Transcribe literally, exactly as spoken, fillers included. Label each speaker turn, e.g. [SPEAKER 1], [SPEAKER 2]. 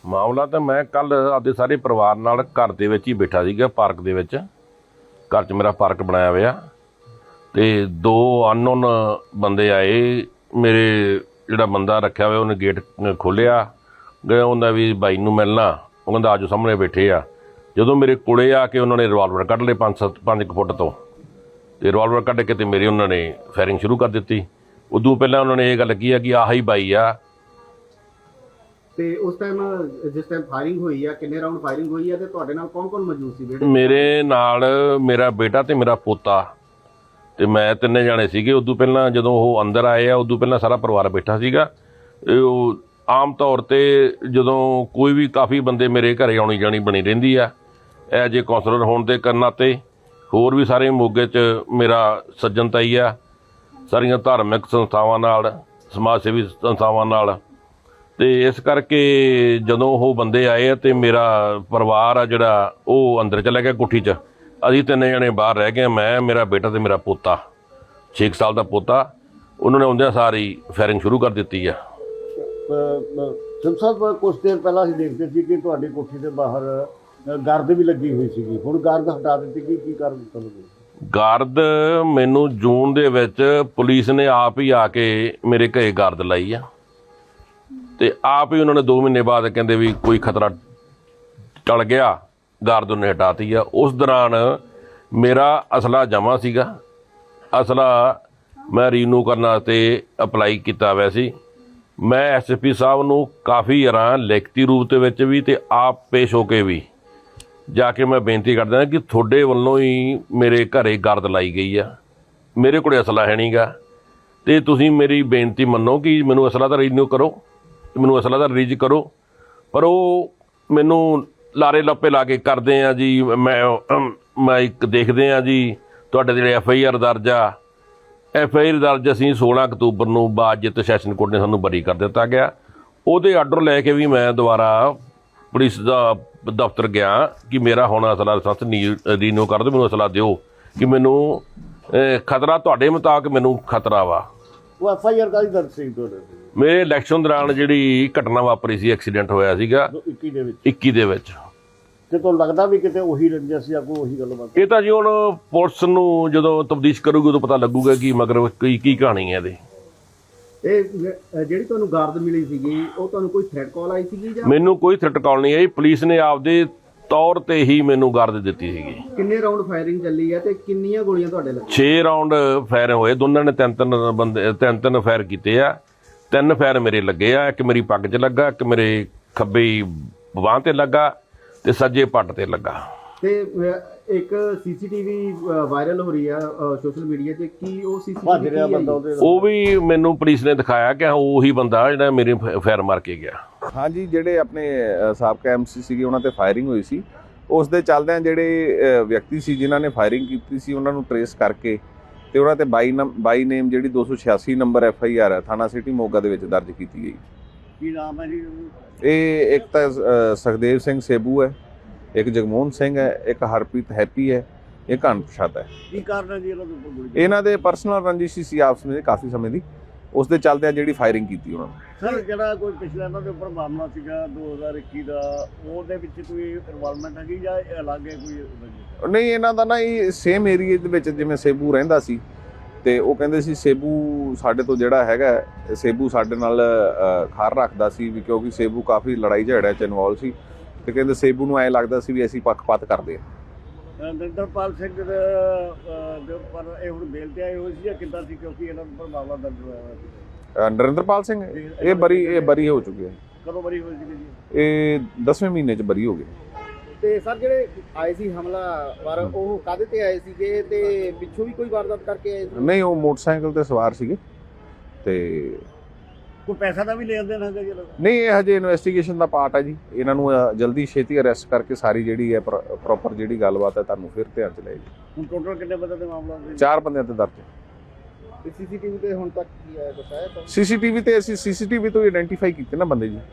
[SPEAKER 1] ਮਾਮਲਾ ਤਾਂ ਮੈਂ ਕੱਲ ਆਪਦੇ ਸਾਰੇ ਪਰਿਵਾਰ ਨਾਲ ਘਰ ਦੇ ਵਿੱਚ ਹੀ ਬੈਠਾ ਸੀਗਾ, ਪਾਰਕ ਦੇ ਵਿੱਚ। ਘਰ 'ਚ ਮੇਰਾ ਪਾਰਕ ਬਣਾਇਆ ਹੋਇਆ, ਤੇ ਦੋ ਅਨਨੋਨ ਬੰਦੇ ਆਏ। ਮੇਰੇ ਜਿਹੜਾ ਬੰਦਾ ਰੱਖਿਆ ਹੋਇਆ ਉਹਨੇ ਗੇਟ ਖੋਲ੍ਹਿਆ, ਗਿਆ ਉਹਦਾ ਵੀ ਬਾਈ ਨੂੰ ਮਿਲਣਾ। ਉਹ ਕਹਿੰਦਾ ਆਜੋ, ਸਾਹਮਣੇ ਬੈਠੇ ਆ। ਜਦੋਂ ਮੇਰੇ ਕੋਲੇ ਆ ਕੇ ਉਹਨਾਂ ਨੇ ਰਿਵਾਲਵਰ ਕੱਢ ਲਏ ਪੰਜ ਸੱਤ ਪੰਜ ਕੁ ਫੁੱਟ ਤੋਂ, ਅਤੇ ਰਿਵਾਲਵਰ ਕੱਢ ਕੇ ਤੇ ਮੇਰੇ ਉਹਨਾਂ ਨੇ ਫਾਇਰਿੰਗ ਸ਼ੁਰੂ ਕਰ ਦਿੱਤੀ। ਉਦੋਂ ਪਹਿਲਾਂ ਉਹਨਾਂ ਨੇ ਇਹ ਗੱਲ ਕੀ ਆ ਕਿ ਆਹ ਹੀ ਬਾਈ ਆ।
[SPEAKER 2] ਤੇ ਉਸ ਟਾਈਮ ਜਿਸ ਟਾਈਮ ਫਾਇਰਿੰਗ ਹੋਈ ਆ, ਕਿੰਨੇ ਰਾਉਂਡ ਫਾਇਰਿੰਗ ਹੋਈ ਆ ਤੇ ਤੁਹਾਡੇ ਨਾਲ ਕੌਣ ਕੌਣ ਮੌਜੂਦ ਸੀ?
[SPEAKER 1] ਮੇਰੇ ਨਾਲ ਮੇਰਾ ਬੇਟਾ ਤੇ ਮੇਰਾ ਪੋਤਾ ਤੇ ਮੈਂ, ਤਿੰਨੇ ਜਾਣੇ ਸੀਗੇ। ਉਦੋਂ ਪਹਿਲਾਂ ਜਦੋਂ ਉਹ ਅੰਦਰ ਆਏ ਆ, ਉਦੋਂ ਪਹਿਲਾਂ ਸਾਰਾ ਪਰਿਵਾਰ ਬੈਠਾ ਸੀਗਾ। ਉਹ ਆਮ ਤੌਰ 'ਤੇ ਜਦੋਂ ਕੋਈ ਵੀ ਕਾਫੀ ਬੰਦੇ ਮੇਰੇ ਘਰੇ ਆਉਣੀ ਜਾਣੀ ਬਣੀ ਰਹਿੰਦੀ ਆ ਐਜ ਏ ਕੌਂਸਲਰ ਹੋਣ ਦੇ ਕਰਨ ਨਾਤੇ। ਹੋਰ ਵੀ ਸਾਰੇ ਮੋਗੇ 'ਚ ਮੇਰਾ ਸੱਜਣਤਾ ਹੀ ਆ, ਸਾਰੀਆਂ ਧਾਰਮਿਕ ਸੰਸਥਾਵਾਂ ਨਾਲ, ਸਮਾਜ ਸੇਵੀ ਸੰਸਥਾਵਾਂ ਨਾਲ। ਅਤੇ ਇਸ ਕਰਕੇ ਜਦੋਂ ਉਹ ਬੰਦੇ ਆਏ ਆ ਅਤੇ ਮੇਰਾ ਪਰਿਵਾਰ ਆ ਜਿਹੜਾ ਉਹ ਅੰਦਰ ਚਲਾ ਗਿਆ ਕੋਠੀ 'ਚ। ਅਸੀਂ ਤਿੰਨੇ ਜਣੇ ਬਾਹਰ ਰਹਿ ਗਏ, ਮੈਂ, ਮੇਰਾ ਬੇਟਾ ਅਤੇ ਮੇਰਾ ਪੋਤਾ, ਛੇ ਕੁ ਸਾਲ ਦਾ ਪੋਤਾ। ਉਹਨਾਂ ਨੇ ਆਉਂਦਿਆਂ ਸਾਰੀ ਫਾਇਰਿੰਗ ਸ਼ੁਰੂ ਕਰ ਦਿੱਤੀ ਆ।
[SPEAKER 3] ਸਿੰਘ ਸਾਹਿਬ, ਕੁਛ ਦੇਰ ਪਹਿਲਾਂ ਅਸੀਂ ਦੇਖਦੇ ਸੀ ਕਿ ਤੁਹਾਡੀ ਕੋਠੀ ਦੇ ਬਾਹਰ ਗਾਰਦ ਵੀ ਲੱਗੀ ਹੋਈ ਸੀਗੀ, ਹੁਣ ਗਾਰਦ ਹਟਾ ਦਿੱਤੀ ਗਈ, ਕੀ ਕਾਰਨ ਤੁਹਾਨੂੰ?
[SPEAKER 1] ਗਾਰਦ ਮੈਨੂੰ ਜੂਨ ਦੇ ਵਿੱਚ ਪੁਲਿਸ ਨੇ ਆਪ ਹੀ ਆ ਕੇ ਮੇਰੇ ਘਰੇ ਗਾਰਦ ਲਾਈ ਆ, ਅਤੇ ਆਪ ਹੀ ਉਹਨਾਂ ਨੇ ਦੋ ਮਹੀਨੇ ਬਾਅਦ ਕਹਿੰਦੇ ਵੀ ਕੋਈ ਖਤਰਾ ਟਲ ਗਿਆ, ਗਾਰਦ ਉਹਨੇ ਹਟਾਤੀ ਆ। ਉਸ ਦੌਰਾਨ ਮੇਰਾ ਅਸਲਾ ਜਮ੍ਹਾਂ ਸੀਗਾ। ਅਸਲਾ ਮੈਂ ਰੀਨਿਊ ਕਰਨ ਵਾਸਤੇ ਅਪਲਾਈ ਕੀਤਾ ਹੋਇਆ ਸੀ। ਮੈਂ ਐਸ ਐਸ ਪੀ ਸਾਹਿਬ ਨੂੰ ਕਾਫੀ ਵਾਰਾਂ ਲਿਖਤੀ ਰੂਪ ਦੇ ਵਿੱਚ ਵੀ ਅਤੇ ਆਪ ਪੇਸ਼ ਹੋ ਕੇ ਵੀ ਜਾ ਕੇ ਮੈਂ ਬੇਨਤੀ ਕਰਦਾ ਕਿ ਤੁਹਾਡੇ ਵੱਲੋਂ ਹੀ ਮੇਰੇ ਘਰੇ ਗਾਰਦ ਲਾਈ ਗਈ ਆ, ਮੇਰੇ ਕੋਲ ਅਸਲਾ ਹੈ ਨਹੀਂ ਗਾ, ਅਤੇ ਤੁਸੀਂ ਮੇਰੀ ਬੇਨਤੀ ਮੰਨੋ ਕਿ ਮੈਨੂੰ ਅਸਲਾ ਤਾਂ ਰੀਨਿਊ ਕਰੋ, ਮੈਨੂੰ ਅਸਲਾ ਤਾਂ ਰਿਲੀਜ਼ ਕਰੋ। ਪਰ ਉਹ ਮੈਨੂੰ ਲਾਰੇ ਲੱਪੇ ਲਾ ਕੇ ਕਰਦੇ ਆ ਜੀ। ਮੈਂ ਮੈਂ ਇੱਕ ਦੇਖਦੇ ਹਾਂ ਜੀ ਤੁਹਾਡੇ ਜਿਹੜੇ ਐਫ ਆਈ ਆਰ ਦਰਜ ਆ, ਐਫ ਆਈ ਆਰ ਦਰਜ ਅਸੀਂ ਸੋਲਾਂ ਅਕਤੂਬਰ ਨੂੰ ਬਾਅਦ ਸੈਸ਼ਨ ਕੋਰਟ ਨੇ ਸਾਨੂੰ ਬਰੀ ਕਰ ਦਿੱਤਾ ਗਿਆ। ਉਹਦੇ ਆਰਡਰ ਲੈ ਕੇ ਵੀ ਮੈਂ ਦੁਬਾਰਾ ਪੁਲਿਸ ਦਾ ਦਫ਼ਤਰ ਗਿਆ ਕਿ ਮੇਰਾ ਹੁਣ ਅਸਲਾ ਲਾਇਸੈਂਸ ਰੀਨਿਊ ਕਰ ਦਿਓ, ਮੈਨੂੰ ਅਸਲਾ ਦਿਓ ਕਿ ਮੈਨੂੰ ਖਤਰਾ, ਤੁਹਾਡੇ ਮੁਤਾਬਕ ਮੈਨੂੰ ਖਤਰਾ ਵਾ।
[SPEAKER 3] ਉਹ ਐਫ ਆਈ ਆਰ ਕਾਹਦੀ ਦਰਜ ਸੀ ਤੁਹਾਡੇ?
[SPEAKER 1] ਮੇਰੇ ਇਲੈਕਸ਼ਨ ਦੌਰਾਨ ਜਿਹੜੀ ਘਟਨਾ ਵਾਪਰੀ ਸੀ, ਐਕਸੀਡੈਂਟ ਹੋਇਆ ਸੀਗਾ
[SPEAKER 3] ਇੱਕੀ ਦੇ ਵਿੱਚ।
[SPEAKER 1] ਇੱਕੀ ਦੇ ਵਿੱਚ
[SPEAKER 3] ਤੇ ਤੁਹਾਨੂੰ ਲੱਗਦਾ ਵੀ ਕਿਤੇ ਉਹੀ ਰੰਜਿਸ਼ ਸੀ, ਕੋਈ ਉਹੀ ਗੱਲਬਾਤ?
[SPEAKER 1] ਇਹ ਤਾਂ ਜੀ ਹੁਣ ਪੁਲਿਸ ਨੂੰ ਜਦੋਂ ਤਫਤੀਸ਼ ਕਰੂਗੀ ਉਦੋਂ ਪਤਾ ਲੱਗੂਗਾ ਕਿ ਮਗਰ ਕੀ ਕੀ ਕਹਾਣੀ ਹੈ ਇਹਦੀ।
[SPEAKER 2] ਇਹ ਜਿਹੜੀ ਤੁਹਾਨੂੰ ਗਾਰਦ ਮਿਲੀ ਸੀਗੀ, ਉਹ ਤੁਹਾਨੂੰ ਕੋਈ ਥ੍ਰੈਟ ਕਾਲ ਆਈ ਸੀਗੀ ਜਾਂ?
[SPEAKER 1] ਮੈਨੂੰ ਕੋਈ ਥ੍ਰੈਟ ਕਾਲ ਨਹੀਂ ਆਈ, ਪੁਲਿਸ ਨੇ ਆਪਦੇ ਤੌਰ ਤੇ ਹੀ ਮੈਨੂੰ ਗਾਰਦ ਦਿੱਤੀ ਸੀਗੀ।
[SPEAKER 2] ਕਿੰਨੇ ਰਾਉਂਡ ਫਾਇਰਿੰਗ ਚੱਲੀ ਹੈ ਤੇ ਕਿੰਨੀਆਂ ਗੋਲੀਆਂ ਤੁਹਾਡੇ ਲੱਗੀਆਂ?
[SPEAKER 1] ਛੇ ਰਾਉਂਡ ਫਾਇਰ ਹੋਏ, ਦੋਨਾਂ ਨੇ ਤਿੰਨ ਤਿੰਨ ਬੰਦੇ ਤਿੰਨ ਤਿੰਨ ਫਾਇਰ ਕੀਤੇ ਆ। ਤਿੰਨ ਫਾਇਰ ਮੇਰੇ ਲੱਗੇ ਆ, ਇੱਕ ਮੇਰੀ ਪੱਗ 'ਚ ਲੱਗਾ, ਇੱਕ ਮੇਰੇ ਖੱਬੀ ਬਾਂਹ 'ਤੇ ਲੱਗਾ ਤੇ ਸੱਜੇ ਪੱਟ 'ਤੇ ਲੱਗਾ।
[SPEAKER 2] ਤੇ ਇੱਕ ਸੀਸੀਟੀਵੀ ਵਾਇਰਲ ਹੋ ਰਹੀ ਆ ਸੋਸ਼ਲ ਮੀਡੀਆ ਤੇ, ਕੀ ਉਹ ਸੀਸੀਟੀਵੀ
[SPEAKER 3] ਬੰਦਾ?
[SPEAKER 1] ਉਹ ਵੀ ਮੈਨੂੰ ਪੁਲਿਸ ਨੇ ਦਿਖਾਇਆ ਕਿ ਉਹੀ ਬੰਦਾ ਜਿਹੜਾ ਮੇਰੇ ਫਾਇਰ ਮਾਰ ਕੇ ਗਿਆ।
[SPEAKER 4] ਹਾਂਜੀ, ਜਿਹੜੇ ਆਪਣੇ ਸਾਬਕਾ ਐਮ ਸੀ ਸੀਗੇ ਉਹਨਾਂ ਤੇ ਫਾਇਰਿੰਗ ਹੋਈ ਸੀ, ਉਸ ਦੇ ਚੱਲਦਿਆਂ ਜਿਹੜੇ ਵਿਅਕਤੀ ਸੀ ਜਿਨ੍ਹਾਂ ਨੇ ਫਾਇਰਿੰਗ ਕੀਤੀ ਸੀ ਉਹਨਾਂ ਨੂੰ ਟਰੇਸ ਕਰਕੇ ਤੇ ਉਹਨਾਂ ਤੇ ਬਾਈ ਨੰਬ ਬਾਈ ਨੇਮ ਜਿਹੜੀ ਦੋ ਸੌ ਛਿਆਸੀ ਨੰਬਰ ਐਫ ਆਈ ਆਰ ਹੈ ਥਾਣਾ ਸਿਟੀ ਮੋਗਾ ਦੇ ਵਿੱਚ ਦਰਜ ਕੀਤੀ ਗਈ।
[SPEAKER 3] ਕੀ ਨਾਮ ਹੈ ਜੀ?
[SPEAKER 4] ਇਹ ਇੱਕ ਤਾਂ ਸੁਖਦੇਵ ਸਿੰਘ ਸੇਬੂ ਹੈ, ਇੱਕ ਜਗਮੋਹਨ ਸਿੰਘ ਹੈ, ਇੱਕ ਹਰਪ੍ਰੀਤ ਹੈਪੀ ਹੈ, ਇੱਕ ਅਣਪਛਾਤਾ ਹੈ।
[SPEAKER 3] ਕੀ ਕਾਰਨ ਹੈ ਜੀ ਇਹਨਾਂ ਦੇ?
[SPEAKER 4] ਇਹਨਾਂ ਦੇ ਪਰਸਨਲ ਰੰਜਿਸ਼ ਸੀ ਆਪਸ ਵਿੱਚ ਕਾਫੀ ਸਮੇਂ ਦੀ, ਉਸ ਦੇ ਚੱਲਦਿਆਂ ਜਿਹੜੀ ਫਾਇਰਿੰਗ ਕੀਤੀ ਉਹਨਾਂ ਨੇ।
[SPEAKER 3] ਸਰ, ਜਿਹੜਾ ਕੋਈ ਪਿਛਲਾ ਇਹਨਾਂ ਦੇ ਉੱਪਰ ਮਾਮਲਾ ਸੀਗਾ ਦੋ ਹਜ਼ਾਰ ਇੱਕੀ ਦਾ, ਉਹਦੇ ਵਿੱਚ ਕੋਈ ਇਨਵੋਲਵਮੈਂਟ ਹੈਗੀ ਜਾਂ ਅਲੱਗ ਹੈ ਕੋਈ?
[SPEAKER 4] ਨਹੀਂ, ਇਹਨਾਂ ਦਾ ਨਾ ਇਹ ਸੇਮ ਏਰੀਏ ਦੇ ਵਿੱਚ ਜਿਵੇਂ ਸੇਬੂ ਰਹਿੰਦਾ ਸੀ ਤੇ ਉਹ ਕਹਿੰਦੇ ਸੀ ਸੇਬੂ ਸਾਡੇ ਤੋਂ ਜਿਹੜਾ ਹੈਗਾ, ਸੇਬੂ ਸਾਡੇ ਨਾਲ ਖਾਰ ਰੱਖਦਾ ਸੀ ਵੀ, ਕਿਉਂਕਿ ਸੇਬੂ ਕਾਫੀ ਲੜਾਈ ਝਗੜਿਆਂ 'ਚ ਇਨਵੋਲਵ ਸੀ ਤੇ ਕਹਿੰਦੇ ਸੇਬੂ ਨੂੰ ਐਂ ਲੱਗਦਾ ਸੀ ਵੀ ਅਸੀਂ ਪੱਖਪਾਤ ਕਰਦੇ ਹਾਂ।
[SPEAKER 3] ਨਰਿੰਦਰਪਾਲ ਸਿੰਘ ਦੇ ਉੱਪਰ ਇਹ ਹੁਣ ਬੇਲ ਤੇ ਆਏ ਹੋਏ ਸੀ ਜਾਂ ਕਿੱਦਾਂ ਸੀ, ਕਿਉਂਕਿ ਇਹਨਾਂ ਉੱਪਰ ਮਾਮਲਾ ਦਰਜ ਹੋਇਆ ਹੋਇਆ ਸੀ?
[SPEAKER 4] ਨਰਿੰਦਰਪਾਲ ਸਿੰਘ ਇਹ ਬਰੀ ਇਹ ਬਰੀ ਹੋ ਚੁੱਕੇ ਹੈ।
[SPEAKER 3] ਕਦੋਂ ਬਰੀ ਹੋਈ ਸੀ ਜੀ?
[SPEAKER 4] ਇਹ ਦਸਵੇਂ ਮਹੀਨੇ 'ਚ ਬਰੀ ਹੋ ਗਏ।
[SPEAKER 2] ਤੇ ਸਰ, ਜਿਹੜੇ ਆਏ ਸੀ ਹਮਲਾਵਰ, ਉਹ ਕਾਹਦੇ ਤੇ ਆਏ ਸੀਗੇ ਤੇ ਪਿੱਛੋਂ ਵੀ ਕੋਈ ਵਾਰਦਾਤ ਕਰਕੇ ਆਏ ਸੀ?
[SPEAKER 4] ਨਹੀਂ, ਉਹ ਮੋਟਰਸਾਈਕਲ ਤੇ ਸਵਾਰ ਸੀਗੇ ਤੇ
[SPEAKER 3] ਕੋਈ ਪੈਸਾ ਦਾ ਵੀ ਲੈਣ ਦੇਣ ਹੈਗਾ ਜੀ?
[SPEAKER 4] ਨਹੀਂ, ਇਹ ਹਜੇ ਇਨਵੈਸਟੀਗੇਸ਼ਨ ਦਾ ਪਾਰਟ ਹੈ ਜੀ। ਇਹਨਾਂ ਨੂੰ ਜਲਦੀ ਛੇਤੀ ਅਰੈਸਟ ਕਰਕੇ ਸਾਰੀ ਜਿਹੜੀ ਹੈ ਪ੍ਰੋਪਰ ਜਿਹੜੀ ਗੱਲਬਾਤ ਹੈ ਤੁਹਾਨੂੰ ਫਿਰ ਧਿਆਨ 'ਚ ਲਏਗੀ।
[SPEAKER 3] ਹੁਣ ਟੋਟਲ ਕਿੰਨੇ ਬੰਦੇ ਦੇ ਮਾਮਲਾ?
[SPEAKER 4] ਚਾਰ ਬੰਦਿਆਂ ਤੇ ਦਰਜ ਹੈ।
[SPEAKER 2] ਸੀਸੀਟੀਵੀ ਤੇ ਹੁਣ ਤੱਕ ਕੀ ਆਇਆ, ਕੁਛ ਆਇਆ?
[SPEAKER 4] ਸੀਸੀਟੀਵੀ ਤੇ ਅਸੀਂ ਸੀਸੀਟੀਵੀ ਤੋਂ ਆਇਡੈਂਟੀਫਾਈ ਕੀਤੇ ਨਾ ਬੰਦੇ ਜੀ।